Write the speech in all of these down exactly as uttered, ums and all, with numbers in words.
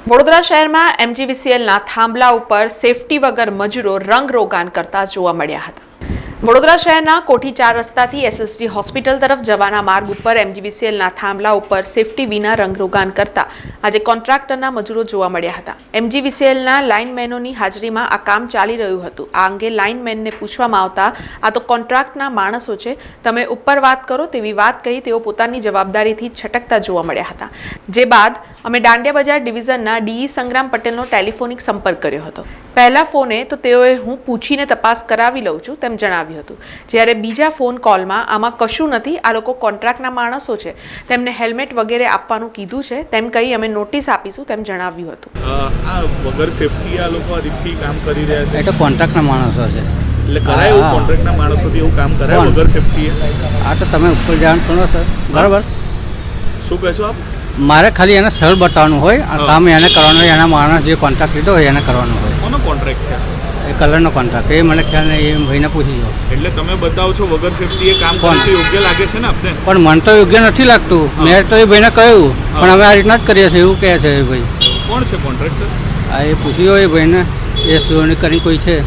વડોદરા શહેરમાં એમજીવીસીએલના થાંભલા ઉપર સેફટી વગર મજૂરો રંગરોગાન કરતા જોવા મળ્યા હતા। વડોદરા શહેરના કોઠી ચાર રસ્તાથી એસએસડી હોસ્પિટલ તરફ જવાના માર્ગ ઉપર એમજીવીસીએલના થાંભલા ઉપર સેફટી વિના રંગરોગાન કરતા આજે કોન્ટ્રાક્ટરના મજૂરો જોવા મળ્યા હતા। એમજીવીસીએલના લાઇનમેનોની હાજરીમાં આ કામ ચાલી રહ્યું હતું। આ અંગે લાઇનમેનને પૂછવામાં આવતા આ તો કોન્ટ્રાક્ટના માણસો છે, તમે ઉપર વાત કરો તેવી વાત કહી તેઓ પોતાની જવાબદારીથી છટકતા જોવા મળ્યા હતા। જે બાદ અમે દાંડિયા બજાર ડિવિઝનના ડીઈ સંગ્રામ પટેલનો ટેલિફોનિક સંપર્ક કર્યો હતો। પહેલા ફોને તો તેઓએ હું પૂછીને તપાસ કરાવી લઉં છું તેમ જણાવ્યું હતું, જ્યારે બીજા ફોન કોલમાં આમાં કશું નથી, આ લોકો કોન્ટ્રાક્ટના માણસો છે, તેમને હેલ્મેટ વગેરે આપવાનું કીધું છે તેમ કહી અમે નોટિસ આપીશું તેમ જણાવ્યું હતું। આ વગર સેફટી આ લોકો આ રીતથી કામ કરી રહ્યા છે, એટલે કોન્ટ્રાક્ટના માણસો છે, એટલે કરાય એવું કોન્ટ્રાક્ટના માણસોથી એવું કામ કરાય વગર સેફટી? આ તો તમે ઉપર જાણ કરો સર, બરાબર? શું કહેશો આપ? મારે ખાલી એને સ્થળ બતાવવાનું હોય, આ કામ એને કરવાનું હોય, એના માણસ જે કોન્ટ્રાક્ટ લીધો હોય એને કરવાનું હોય। કોનો કોન્ટ્રાક્ટ છે? એ કલરનો કોન્ટ્રાક્ટ, એ મને ખ્યાલ નહીં, એ ભાઈને પૂછી જાઓ। એટલે તમે બતાવો છો વગર સેફટી એ કામ કરે છે, યોગ્ય લાગે છે ને આપને? પણ મને તો યોગ્ય નથી લાગતું, મેં તો એ ભાઈને કહ્યું, પણ અમે આ રીતના જ કરીએ છીએ એવું કહે છે એ ભાઈ। કોણ છે કોન્ટ્રાક્ટર? આ એ પૂછી જાઓ એ ભાઈને, એ સુવર્ણી કરી કોઈ છે।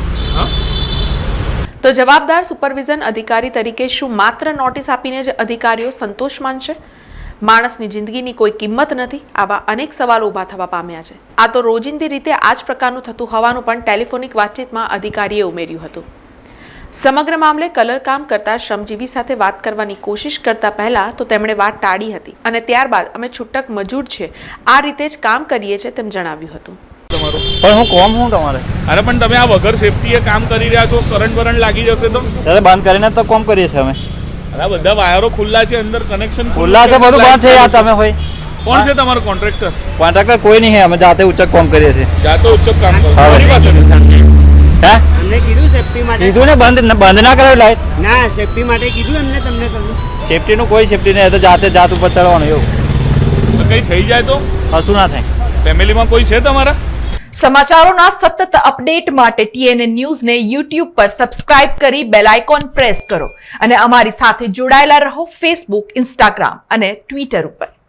તો જવાબદાર સુપરવિઝન અધિકારી તરીકે શું માત્ર નોટિસ આપીને જ અધિકારીઓ સંતોષ માનશે? માણસની જિંદગીની કોઈ કિંમત નથી? આવા અનેક સવાલો ઊભા થવા પામ્યા છે। આ તો રોજિંદી રીતે આ જ પ્રકારનું થતું હોવાનું પણ ટેલિફોનિક વાતચીતમાં અધિકારીએ ઉમેર્યું હતું। સમગ્ર મામલે કલર કામ કરતા શ્રમજીવી સાથે વાત કરવાની કોશિશ કરતા પહેલા તો તેમણે વાત ટાળી હતી અને ત્યારબાદ અમે છૂટક મજૂર છે, આ રીતે જ કામ કરીએ છીએ તેમ જણાવ્યું હતું। પણ હું કોમ હું તમારે? અરે પણ તમે આ વગર સેફટી એ કામ કરી રહ્યા છો, કરંટ બરંટ લાગી જશે તો? ત્યારે બંધ કરીને તો કોમ કરીએ છીએ અમે। અરે બધા વાયરો ખુલ્લા છે, અંદર કનેક્શન ખુલ્લા છે, બધું બંધ છે યાર તમે હોય। કોણ છે તમારો કોન્ટ્રાક્ટર? કોન્ટ્રાક્ટર કોઈ નહીં હે, અમે જાતે ઉચ્ચક કોમ કરીએ છીએ। જાતો ઉચ્ચક કામ કરો હા, મારી પાસે નથી। હે અમને કીધું સેફટી માટે? કીધું ને બંધ બંધ ના કરાવી લાઈટ? ના, સેફટી માટે કીધું એમને, તમને કહ્યું? સેફટીનું કોઈ સેફટી નહીં, એ તો જાતે જાત ઉપર ચડવાનું એવું। તો કઈ થઈ જાય તો? કશું ના થાય। ફેમિલીમાં કોઈ છે તમારા? સમાચારોના સતત અપડેટ માટે ટીએનએ ન્યૂઝને યુટ્યુબ પર સબસ્ક્રાઇબ કરી બેલ આઇકોન પ્રેસ કરો અને અમારી સાથે જોડાયેલા રહો ફેસબુક, ઇન્સ્ટાગ્રામ અને ટ્વિટર ઉપર।